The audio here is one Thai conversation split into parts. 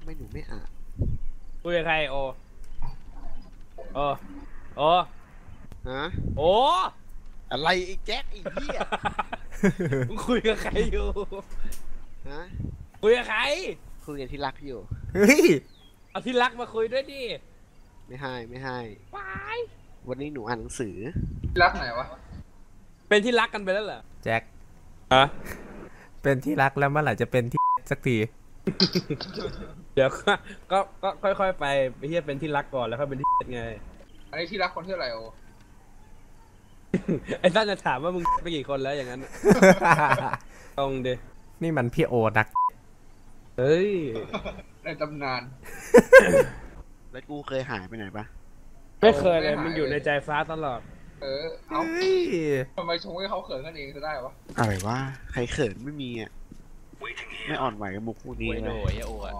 ไม่หนูไม่อ่านคุยกับใครโอโอโอฮะโออะไรไอ้แจ็คไอ้เหี้ยมึงคุยกับใครอยู่ฮะคุยกับใครคุยกับที่รักอยู่เฮ้ยเอาที่รักมาคุยด้วยดิไม่ให้วายวันนี้หนูอ่านหนังสือรักไหนวะเป็นที่รักกันไปแล้วเหรอแจ็คฮะเป็นที่รักแล้วเมื่อไหร่จะเป็นที่สักทีเดี๋ยวก็ค่อยๆไปเฮียเป็นที่รักก่อนแล้วค่อยเป็นที่ไงอันนี้ที่รักคนที่อะไรโอไอ้ท่านจะถามว่ามึงไปกี่คนแล้วอย่างนั้นตรงดินี่มันพี่โอนักเฮ้ยในตำนานแล้วกูเคยหายไปไหนปะไม่เคยเลยมันอยู่ในใจฟ้าตลอดเอาทำไมชงให้เขาเขินกันเองจะได้วะอะไรวะใครเขินไม่มีอ่ะไม่อ่อนไหวกับมุกพวกนี้เลยโอ้ยโอ้ย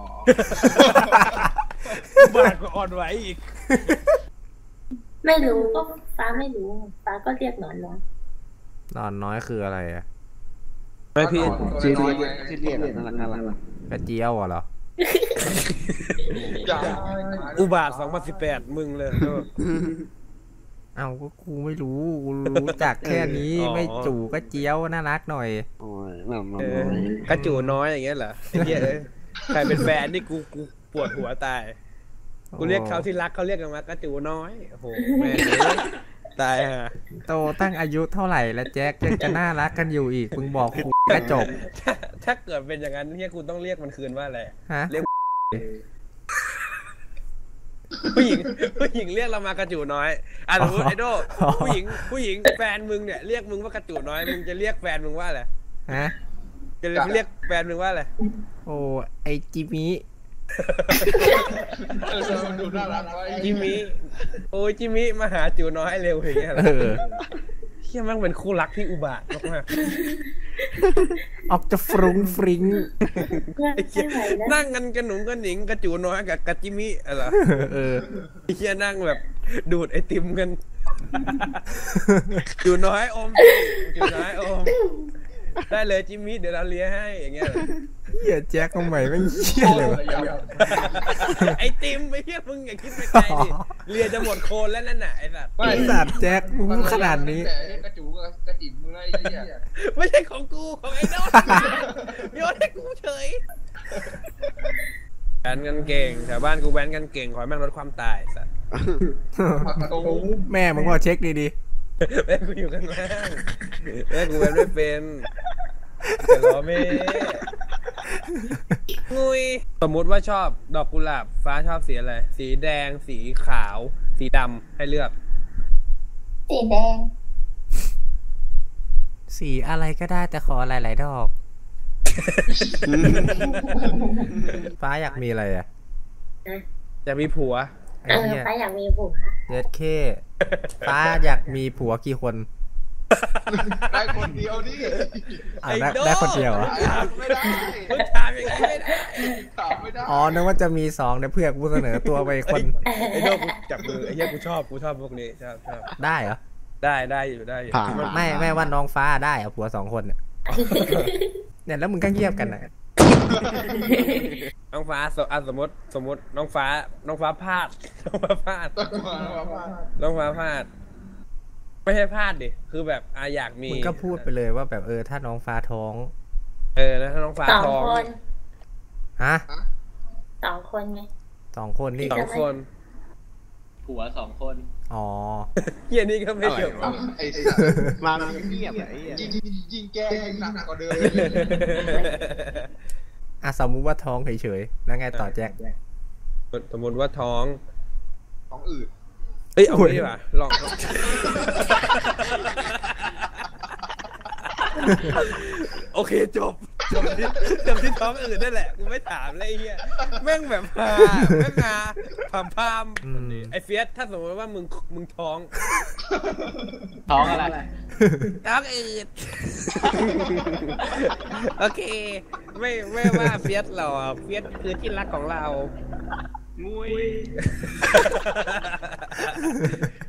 บ้านก็อ่อนไหวอีกไม่รู้ก็ฟ้าไม่รู้ฟ้าก็เรียกนอนน้อยคืออะไรอ่ะไม่พี่ชื่อเรียกน่ารักกระเจียวเหรออุบาท2018มึงเลยเอาก็กูไม่รู้กูรู้จักแค่นี้ไม่จู่ก็เจียวน่ารักหน่อยโอ้ยกระจู่น้อยอย่างเงี้ยเหรอไอ้เหี้ยใครเป็นแฟนนี่กูปวดหัวตายกูเรียกเขาที่รักเขาเรียกกันว่ากระจู่น้อยโอ้โหแม่ตายฮะโตตั้งอายุเท่าไหร่แล้วแจ็คยังจะน่ารักกันอยู่อีกมึงบอกกูกระจบถ้าเกิดเป็นอย่างนั้นเนี่ยกูต้องเรียกมันคืนว่าอะไรฮะเรียกผู้หญิงเรียกเรามากระจู่น้อยสมมติไอโดผู้หญิงแฟนมึงเนี่ยเรียกมึงว่ากระจู่น้อยมึงจะเรียกแฟนมึงว่าอะไรฮะจะเรียกแฟนมึงว่าอะไรโอ้ไอจิมิดูน่ารักจิมิโอ้ยจิมิมาหาจู่น้อยเร็วอย่างเงี้ยเฮียมันเป็นคู่รักที่อุบาทมากออกจะฟรุ้งฟริ้งนั่งกันกระหนุงกระหนิงกระจู่น้อยกับกระจิมิอะไรเฮียนั่งแบบดูดไอติมกันจู่น้อยอมจู่น้อยอมได้เลยจิมิเดี๋ยวเราเลี้ยให้อย่างเงี้ยเหี้ยแจ็คทำไมไม่เหี้ยเลยวะไอติมไอเหี้ยมึงอย่าคิดไปไกลดิเลียจะหมดโคนแล้วนั่นน่ะไอสัตว์ไอสัตว์แจ็คมึงขนาดนี้กระจูกระจิ๋มมึงอะไรเนี่ยไม่ใช่ของกูของไอ้โน้ตโยนให้กูเฉยแว้นกันเก่งแถวบ้านกูแว้นกันเก่งขอให้แม่งลดความตายสัตว์แม่มึงว่าเช็คดีแม่กูอยู่กันล่างแม่กูแว้นไม่เป็นแต่ล้อแม่งุยสมมุติว่าชอบดอกกุหลาบฟ้าชอบสีอะไรสีแดงสีขาวสีดำให้เลือกสีแดงสีอะไรก็ได้แต่ขอหลายๆดอกฟ้าอยากมีอะไรอ่ะอยากมีผัวฟ้าอยากมีผัวเด็ดเคฟ้าอยากมีผัวกี่คนได้คนเดียวนี่ได้คนเดียวเหรอไม่ได้ถามอย่างนี้ไม่ได้ถามไม่ได้อ๋อนึกว่าจะมี2เดี๋ยวเพื่อนกูเสนอตัวไปคนไอ้โน้กูจับมือไอ้เหี้ยกูชอบพวกนี้ชอบได้เหรอได้อยู่ไม่ว่าน้องฟ้าได้อะผัว2คนเนี่ยแล้วมึงก็เงียบกันนะน้องฟ้าสมมติน้องฟ้าพลาดไม่ใช่พลาดดิคือแบบอยากมีมึงก็พูดไปเลยว่าแบบถ้าน้องฟ้าท้องแล้วถ้าน้องฟ้าท้องฮะ 2 คนไง 2 คนนี่ 2 คนผัว2 คนอ๋อเฮียนี่ก็ไม่เกี่ยวไอ้มาเงียบไอ้ยิงแก้หนักกว่าเดิมสมมุติว่าท้องเฉยๆแล้วไงต่อแจ็คสมมติว่าท้องอืดเอาไม่ดีกว่าลองโอเคจบที่ท้องอื่นนั่นแหละกูไม่ถามเลยไอ้เหี้ยแม่งแบบแม่งพามไอ้เฟียสถ้าสมมติว่ามึงท้องอะไรท้องอืดโอเคไม่ว่าเฟียสหรอกเฟียสคือที่รักของเรางุย